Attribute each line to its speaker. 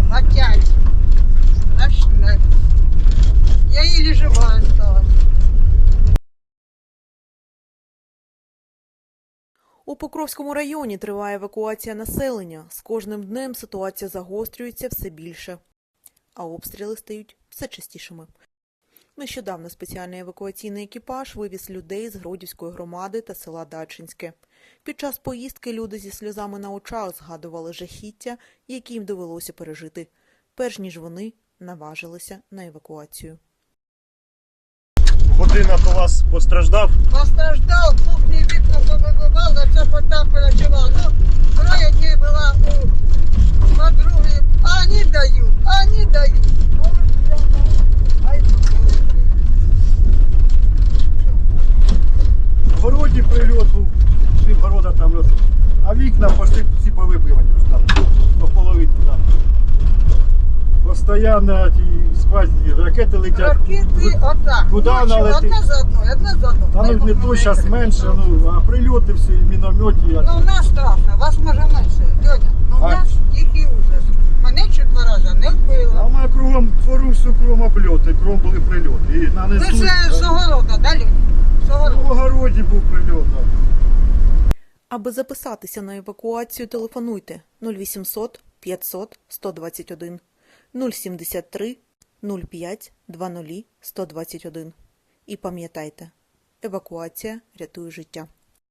Speaker 1: опять. Страшне. Я еле жива осталась.
Speaker 2: У Покровському районі триває евакуація населення. З кожним днем ситуація загострюється все більше, а обстріли стають все частішими. Нещодавно спеціальний евакуаційний екіпаж вивіз людей з Гродівської громади та села Дачинське. Під час поїздки люди зі сльозами на очах згадували жахіття, які їм довелося пережити, перш ніж вони наважилися на евакуацію.
Speaker 3: Будинок у вас постраждав?
Speaker 1: Постраждал, кухни вікна повибивав, на це потап перечував. Ну, 3 днів була у подруги. Они дают. Ай,
Speaker 3: В городі прильот був, пів города там, а вікна пошли всі повибивані вже там, по половинку там. Постоянно ті спальні ракети летять.
Speaker 1: ракети отак.
Speaker 3: Куди
Speaker 1: Ночі
Speaker 3: вона летить?
Speaker 1: одна за одну.
Speaker 3: Та ну не то, зараз менше, ну, а прильоти всі, міномети.
Speaker 1: Ну, у нас страшно, вас може менше. Льоня, ну у
Speaker 3: А?
Speaker 1: нас тихий ужас. Мене чуть 2 рази не
Speaker 3: А
Speaker 1: вбило.
Speaker 3: у мене кругом двору, всю кругом обльоти, кругом були прильоти. І
Speaker 1: Ви
Speaker 3: нанесуть.
Speaker 1: ж з огорода, да, Льоня? З
Speaker 3: В
Speaker 1: огорода.
Speaker 3: огороді був прильот. Так.
Speaker 2: Аби записатися на евакуацію, телефонуйте 0800 500 121 073 05 20 121. І пам'ятайте, евакуація рятує життя.